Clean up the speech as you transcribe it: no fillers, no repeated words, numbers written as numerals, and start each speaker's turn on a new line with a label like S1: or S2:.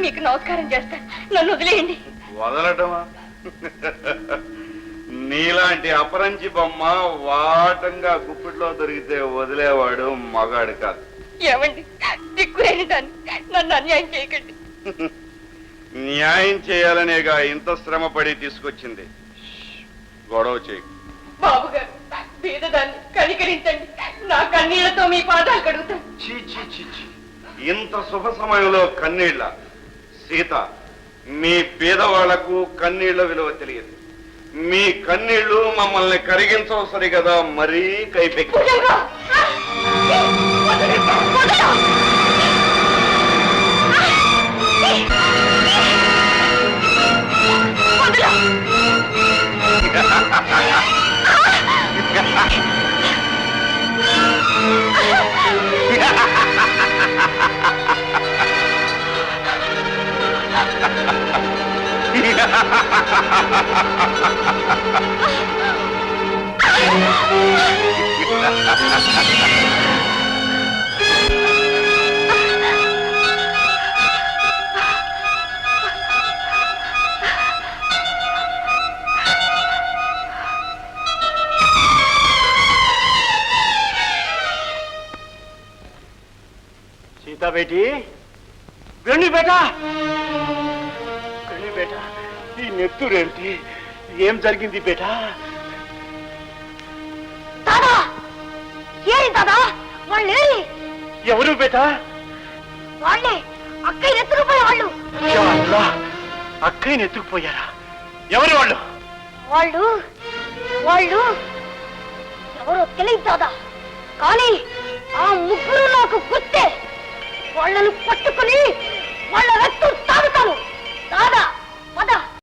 S1: మీకు నమస్కారం చేస్తాను, నన్ను వదిలేయండి.
S2: వదలటమా? నీలాంటి అపరంచి బొమ్మ వాటంగా గుప్పిట్లో దొరికితే వదిలేవాడు మగాడు కాదు.
S1: ఏమండి, దిక్కులేని నన్ను అన్యాయం చేయకండి.
S2: న్యాయం చేయాలనేగా ఇంత శ్రమ పడి తీసుకొచ్చింది. గొడవ చేయకు.
S1: బాబు గారు, పేదదాన్ని కనికరించండి. నా కన్నీళ్లతో మీ పాదాలు కడుగుతాను.
S2: చీ చీ చీ చీ, ఇంత శుభ సమయంలో కన్నీళ్ళ? సీత, మీ పేదవాళ్లకు కన్నీళ్ల విలువ తెలియదు. మీ కన్నీళ్లు మమ్మల్ని కరిగించవు సరిగదా, మరీ కైపెక్కి.
S3: सीता बेटी वेणु बेटा वेणु बेटा ఈ నెత్తురేంటి ఏం జరిగింది బేటా
S1: దాదా ఏరి దాదా వాళ్ళే
S3: ఎవరు బేటా
S1: వాళ్ళే అక్కయ్య ఎత్తుకుపోయే వాళ్ళు
S3: అక్కయ్యని ఎత్తుకుపోయారా ఎవరు వాళ్ళు
S1: వాళ్ళు వాళ్ళు ఎవరో తెలియదు దాదా కానీ ఆ ముగ్గురు నాకు గుర్తే వాళ్ళను పట్టుకుని